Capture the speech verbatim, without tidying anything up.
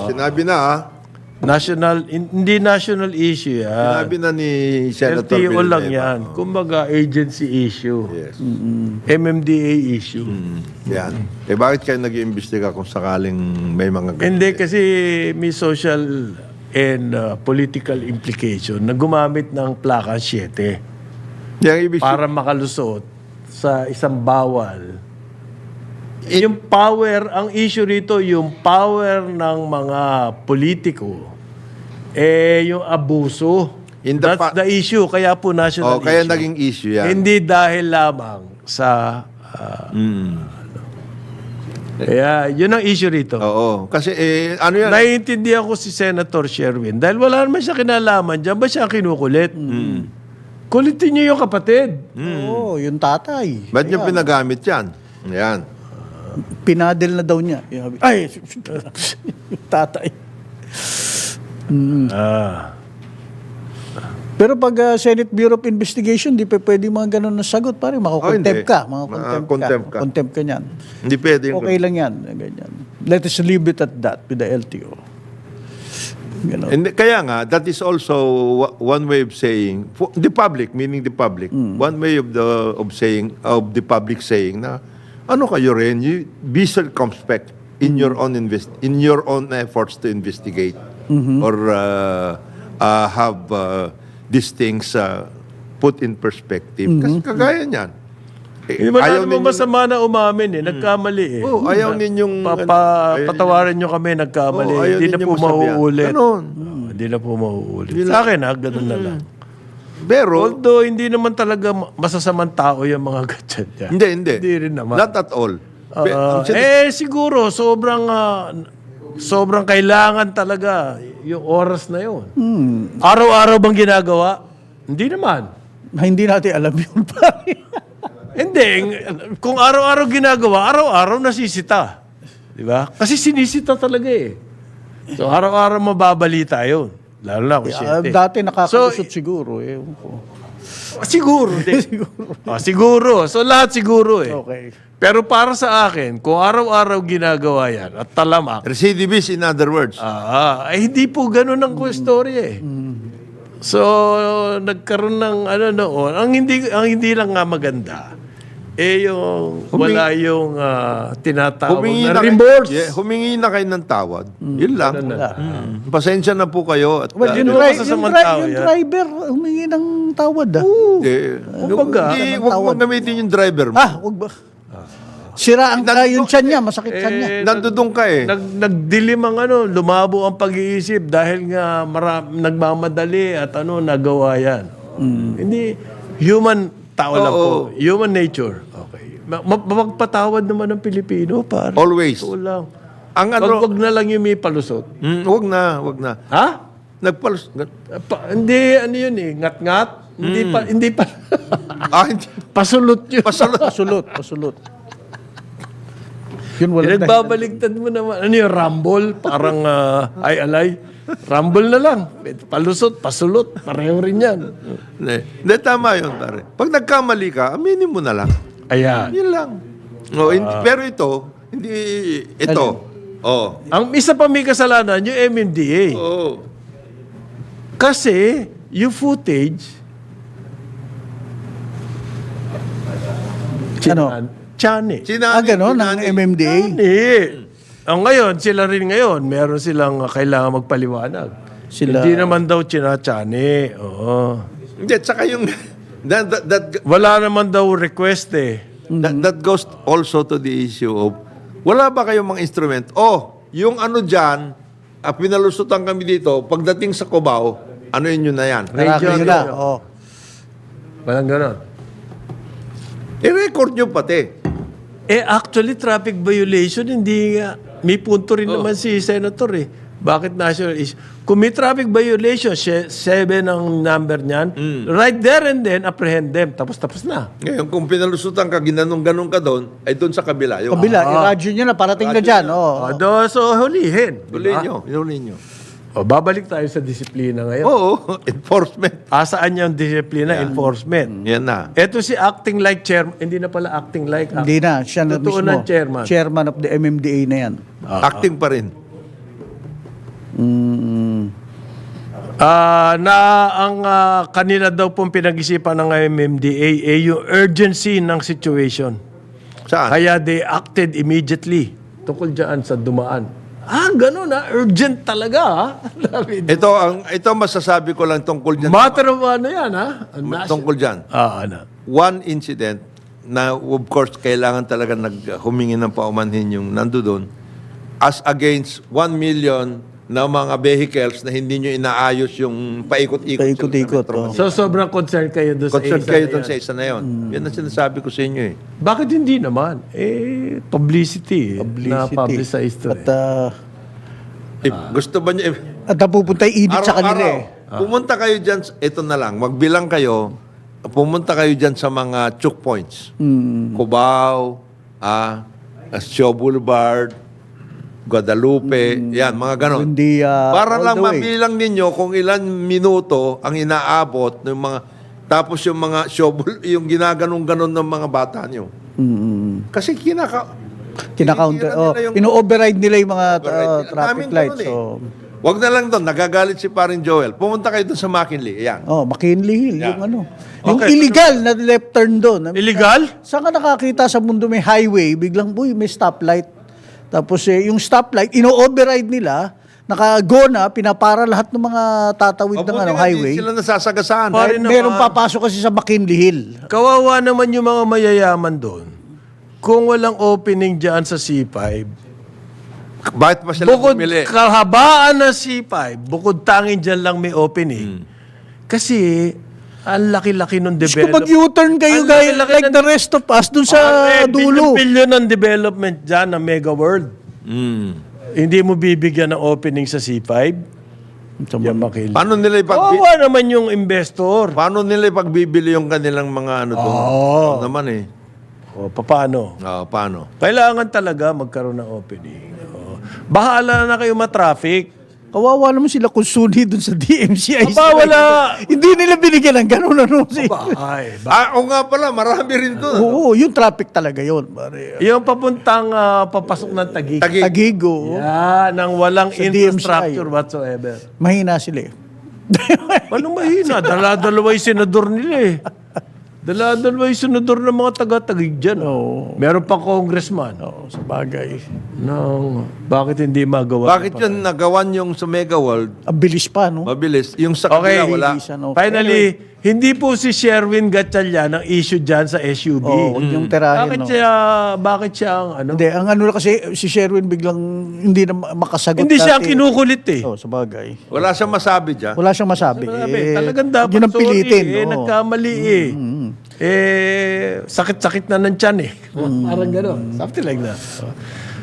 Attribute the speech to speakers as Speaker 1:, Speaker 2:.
Speaker 1: sinabi na ah.
Speaker 2: National, hindi national issue yan.
Speaker 1: Sinabi na ni Senator
Speaker 2: L T O lang
Speaker 1: Villanueva.
Speaker 2: yan. Kumbaga, agency issue.
Speaker 1: Yes.
Speaker 2: M M D A issue.
Speaker 1: Mm, yan. Eh bakit kayo nag-iimbestiga kung sakaling may mga ganito?
Speaker 2: Hindi kasi may social and uh, political implication na gumamit ng plaka seven
Speaker 1: Yung ibig
Speaker 2: para makalusot sa isang bawal. Yung power, ang issue rito, yung power ng mga politiko, eh, yung abuso.
Speaker 1: In the
Speaker 2: That's
Speaker 1: pa-
Speaker 2: the issue. Kaya po national
Speaker 1: Oh, kaya
Speaker 2: issue.
Speaker 1: naging issue yan.
Speaker 2: Hindi dahil lamang sa... ah,
Speaker 1: Mm.
Speaker 2: kaya, yun ang issue rito.
Speaker 1: Oo. Kasi eh, ano yan?
Speaker 2: Naiintindihan ko si Senator Sherwin dahil wala naman siya kinalaman dyan. Ba siya kinukulit? Kulitin niyo yung kapatid.
Speaker 3: Oo, yung tatay.
Speaker 1: Ba't niyo pinagamit yan? Yan.
Speaker 3: Pinadel na daw niya. Yung- Ay, yung tatay.
Speaker 2: Ah.
Speaker 3: Pero pag ah, Senate Bureau of Investigation, di pa pwede mga ganun na sagot. Pare,
Speaker 1: Oh,
Speaker 3: makakontempt
Speaker 1: hindi.
Speaker 3: ka. Mga
Speaker 1: Ma-
Speaker 3: contempt
Speaker 1: contempt
Speaker 3: ka.
Speaker 1: ka.
Speaker 3: Contempt ka niyan.
Speaker 1: Hindi pwede yung...
Speaker 3: Okay lang yan. Ganyan. Let us leave it at that with the L T O. Ganun.
Speaker 1: Hindi, kaya nga, that is also wa- one way of saying, for the public, meaning the public, one way of the of saying, of the public saying na, ano kayo rin, you be circumspect in your own invest in your own efforts to investigate or uh, uh, have uh, these things uh, put in perspective. Kasi kagaya niyan. Eh,
Speaker 2: Eh, wala
Speaker 1: ayaw
Speaker 2: namang
Speaker 1: ninyo-
Speaker 2: masama na umamin eh. Nagkamali eh.
Speaker 1: Oh, ayaw ninyong...
Speaker 2: Papa,
Speaker 1: ayaw
Speaker 2: patawarin nyo kami, nagkamali.
Speaker 1: Oo, ayaw
Speaker 2: hindi na
Speaker 1: ninyong
Speaker 2: po
Speaker 1: masabihan.
Speaker 2: mauulit.
Speaker 1: Ganon.
Speaker 2: Oo, hindi na po mauulit.
Speaker 1: Yun
Speaker 2: Sa akin ha, ganun na lang.
Speaker 1: Pero,
Speaker 2: Although, hindi naman talaga ma- masasamang tao yung mga ganyan yan.
Speaker 1: hindi, hindi.
Speaker 2: Hindi rin naman.
Speaker 1: Not at all. Pe-
Speaker 2: Ah,
Speaker 1: ang sin-
Speaker 2: eh, siguro, sobrang, ah, sobrang kailangan talaga yung oras na yun. Araw-araw bang ginagawa? Hindi naman.
Speaker 3: Na hindi natin alam yun, pare.
Speaker 2: Hindi. ng- Kung araw-araw ginagawa, araw-araw nasisita. Di ba? Kasi sinisita talaga eh. So, araw-araw mababalita yun. Lalo na kung
Speaker 3: Ah,
Speaker 2: siyete.
Speaker 3: dati nakakalusot
Speaker 2: So,
Speaker 3: siguro. Eh. Ewan ko.
Speaker 2: Siguro. Di. Ah, siguro. So, lahat siguro eh.
Speaker 3: Okay.
Speaker 2: Pero para sa akin, kung araw-araw ginagawa yan at talamak,
Speaker 1: Recidivist, in other words.
Speaker 2: ah, ay hindi po ganun ang istorya eh. So, nagkaroon ng ano noon, ang hindi ang hindi lang nga maganda eh yung wala yung ah, tinatawag
Speaker 1: humingi
Speaker 2: na
Speaker 1: na, kayo-
Speaker 2: remorse.
Speaker 1: Yeah, humingi na kayo ng tawad. Yun lang. Mm. Pasensya na po kayo. At,
Speaker 3: Well,
Speaker 1: uh,
Speaker 3: yung,
Speaker 2: Ano
Speaker 3: dri-
Speaker 2: ba sa
Speaker 3: yung,
Speaker 2: samang
Speaker 3: dri-
Speaker 2: tao
Speaker 3: yung
Speaker 2: yan?
Speaker 3: driver, humingi ng tawad ah.
Speaker 1: eh,
Speaker 2: Kumbaga,
Speaker 1: hindi,
Speaker 3: ng
Speaker 1: huwag
Speaker 3: tawad.
Speaker 1: mong gamitin yung driver mo.
Speaker 3: Ah, wag ba? Sira ang
Speaker 1: Nandun-
Speaker 3: uh, yung tiyan niya, masakit tiyan niya.
Speaker 2: Eh,
Speaker 1: Nandudong ka eh.
Speaker 2: Nag, nagdilim ang ano, lumabo ang pag-iisip dahil nga mara, nagmamadali at ano, nagawa yan. Hindi, human, tao lang
Speaker 1: Oo.
Speaker 2: po. Human nature. Okay. Ma- ma- Magpatawad naman ng Pilipino, para.
Speaker 1: Always.
Speaker 2: Ito lang.
Speaker 1: Ang
Speaker 2: Wag,
Speaker 1: ano,
Speaker 2: wag na lang yung may palusot.
Speaker 1: mm, wag na, wag na.
Speaker 2: Ha?
Speaker 1: Nagpalus...
Speaker 2: Pa, hindi, ano yun eh, ngat-ngat. Hindi pa, hindi pa.
Speaker 1: ah, hindi.
Speaker 2: Pasulot yun.
Speaker 1: Pasalot.
Speaker 3: Pasulot, pasulot. Yun wala na.
Speaker 2: Pinagbabaligtad mo naman. Ano yung rumble? Parang ah, ay alay. Rumble na lang. Palusot, pasulot. Pareho rin yan.
Speaker 1: Hindi, Hindi, tama yun, pare. Pag nagkamali ka, aminin mo na lang.
Speaker 2: Ayan.
Speaker 1: Yun lang. Oh, hindi, pero ito, hindi, ito. Oh.
Speaker 2: Ang isa pa may kasalanan, yung M M D A.
Speaker 1: Oh.
Speaker 2: Kasi, yung footage,
Speaker 3: Ano?
Speaker 2: Chani.
Speaker 3: Ah, gano'n, ng M M D A.
Speaker 2: Chani. Ang ngayon, sila rin ngayon, meron silang uh, kailangan magpaliwanag.
Speaker 3: Sila-
Speaker 2: Hindi naman daw chinachani. Oo.
Speaker 1: Hindi, tsaka yung, that, that, that,
Speaker 2: Wala naman daw request eh.
Speaker 1: that, that goes also to the issue of, wala ba kayong mga instrument? Oh, yung ano dyan, ah, pinalusutan kami dito, pagdating sa Cubao, ano yun yun na yan?
Speaker 3: Naraki
Speaker 2: Radio,
Speaker 3: nyo na.
Speaker 2: radio.
Speaker 3: Oh.
Speaker 2: Walang ganon.
Speaker 1: I-record nyo pati.
Speaker 2: Eh, actually, traffic violation, hindi nga. May punto rin naman si Senator eh. Bakit national issue? Kung may traffic violation, she- seven ang number niyan, right there and then, apprehend them. Tapos-tapos na.
Speaker 1: Ngayon, kung pinalusutan ka, ginanong-ganong ka doon, ay doon sa kabila. Yung,
Speaker 3: Kabila, i-radyo nyo na, parating na dyan. Oh.
Speaker 2: O, do, so, hulihin.
Speaker 1: Huli nyo, huli nyo.
Speaker 2: O, babalik tayo sa disiplina ngayon.
Speaker 1: Oo, enforcement.
Speaker 2: Asaan yung disiplina? Enforcement.
Speaker 1: Yan na.
Speaker 2: Ito si acting like chairman. Hindi na pala acting like.
Speaker 3: Hindi na, siya na
Speaker 2: Totoo
Speaker 3: mismo.
Speaker 2: na chairman.
Speaker 3: Chairman of the M M D A na yan.
Speaker 1: Acting pa rin.
Speaker 3: Mm.
Speaker 2: Ah, na ang ah, kanila daw pong pinag-isipan ng M M D A ay yung urgency ng situation.
Speaker 1: Saan?
Speaker 2: Kaya they acted immediately tungkol dyan sa dumaan. Ah, ganun ah. Urgent talaga ah. David.
Speaker 1: Ito, ang, ito masasabi ko lang tungkol dyan.
Speaker 2: Matter of ano yan ah.
Speaker 1: Tungkol dyan.
Speaker 2: Ah, ano.
Speaker 1: One incident na of course kailangan talaga nag humingi ng paumanhin yung nando doon as against one million na mga vehicles na hindi nyo inaayos yung paikot-ikot.
Speaker 3: Paikot-ikot,
Speaker 1: sa Metro
Speaker 3: oh.
Speaker 1: Manila.
Speaker 2: So sobrang concerned kayo doon sa
Speaker 1: Concerned
Speaker 2: isa
Speaker 1: kayo
Speaker 2: na
Speaker 1: doon
Speaker 2: yan.
Speaker 1: sa isa na yun. Yan ang sinasabi ko sa inyo eh.
Speaker 2: Bakit hindi naman? Eh, publicity. eh. Na-publicize to
Speaker 3: At,
Speaker 2: eh.
Speaker 3: ah,
Speaker 1: If gusto ba nyo, eh,
Speaker 3: at napupunta yung ibig sa kanila eh.
Speaker 1: araw-araw, pumunta kayo dyan, ito na lang, magbilang kayo, pumunta kayo dyan sa mga choke points.
Speaker 3: Mm.
Speaker 1: Cubao, ah, Shaw Boulevard, Guadalupe, yan, mga ganon.
Speaker 3: Hindi, ah,
Speaker 1: Para
Speaker 3: all
Speaker 1: lang
Speaker 3: the way.
Speaker 1: mabilang ninyo kung ilan minuto ang inaabot ng mga, tapos yung mga Shaw Boul- yung ginaganong-ganon ng mga bata nyo.
Speaker 3: Mm.
Speaker 1: Kasi kinaka...
Speaker 3: Kina-counter.
Speaker 1: tinitira
Speaker 3: Oh,
Speaker 1: nila yung-
Speaker 3: ino-override nila yung mga uh,
Speaker 1: Override.
Speaker 3: traffic
Speaker 1: Daming
Speaker 3: lights.
Speaker 1: ganun eh.
Speaker 3: So,
Speaker 1: Wag na lang doon, nagagalit si paring Joel. Pumunta kayo doon sa McKinley, yan.
Speaker 3: oh, McKinley Hill,
Speaker 1: Yeah.
Speaker 3: yung ano. Yung
Speaker 1: Okay.
Speaker 3: illegal na left turn doon.
Speaker 2: Illegal?
Speaker 3: Saan ka nakakita sa mundo may highway, biglang, uy, may stoplight. Tapos eh, yung stoplight, ino-override nila, naka-go na, pinapara lahat ng mga tatawid ng
Speaker 1: Mabuti
Speaker 3: ano,
Speaker 1: nga,
Speaker 3: highway.
Speaker 1: di sila nasasagasaan.
Speaker 2: Pare
Speaker 3: Dahil
Speaker 2: naman.
Speaker 3: merong papasok kasi sa McKinley Hill.
Speaker 2: Kawawa naman yung mga mayayaman doon. Kung walang opening dyan sa C five,
Speaker 1: Bakit pa sila
Speaker 2: bukod
Speaker 1: bumili?
Speaker 2: kahabaan ng C five, bukod tangin dyan lang may opening. Kasi, ang laki-laki ng
Speaker 3: Diyos ko,
Speaker 2: development.
Speaker 3: mag-U-turn kayo,
Speaker 2: Ang
Speaker 3: guys,
Speaker 2: laki-laki
Speaker 3: like
Speaker 2: ng-
Speaker 3: the rest of us, dun sa dulo.
Speaker 2: Billion ng development dyan ng Mega World.
Speaker 1: Mm.
Speaker 2: Hindi mo bibigyan ng opening sa C five? Yan makil.
Speaker 1: Paano nila ipagbi-
Speaker 2: Kawawa naman yung investor.
Speaker 1: Paano nila ipagbibili yung kanilang mga ano doon?
Speaker 2: Oo.
Speaker 1: Oo naman eh.
Speaker 2: O, paano?
Speaker 1: Oo, paano?
Speaker 2: Kailangan talaga magkaroon ng opening. O, bahala na kayo ma-traffic.
Speaker 3: Kawawa naman sila kung suni dun sa D M C I.
Speaker 2: Aba, wala.
Speaker 3: Hindi nila binigyan ng ganun ano.
Speaker 2: Ay, ba-
Speaker 1: Ah, o nga pala, marami rin doon.
Speaker 3: Oo, yung traffic talaga yun. Pare.
Speaker 2: yung papuntang ah, papasok ng Taguig.
Speaker 1: Tagi.
Speaker 3: Tagigo.
Speaker 2: Yan, nang walang
Speaker 3: Sa D M C I.
Speaker 2: infrastructure whatsoever.
Speaker 3: Mahina sila eh.
Speaker 2: Anong mahina? Dala-dalawa yung senador nila eh. Dala-dalawa yung senador ng mga taga-Taguig dyan.
Speaker 3: Oo.
Speaker 2: Meron pa congressman.
Speaker 3: Oo, sa bagay.
Speaker 2: Nang, bakit hindi magawa?
Speaker 1: Bakit yun nagawan yung sa Mega World?
Speaker 3: Ang bilis pa, no?
Speaker 1: Mabilis. Yung sa
Speaker 2: Okay.
Speaker 1: kanila wala.
Speaker 3: Bilisan, okay.
Speaker 2: Finally, hindi po si Sherwin Gatchalian ang issue dyan sa S U V.
Speaker 3: Oo, huwag yung tirahin,
Speaker 2: bakit
Speaker 3: no?
Speaker 2: siya, bakit siya ang ano?
Speaker 3: Hindi, ang ano kasi, si Sherwin biglang hindi na ma- makasagot.
Speaker 2: Hindi siya ang
Speaker 3: dati.
Speaker 2: kinukulit eh.
Speaker 3: Oo, sa bagay.
Speaker 1: Wala siyang masabi dyan.
Speaker 3: Wala siyang masabi.
Speaker 2: Sabi,
Speaker 3: Eh,
Speaker 2: talagang dapat
Speaker 3: yun ang pilitin.
Speaker 2: sorry, eh,
Speaker 3: oo.
Speaker 2: nagkamali eh. Eh, sakit-sakit na ng tiyan eh. Parang gano'n. Something like that.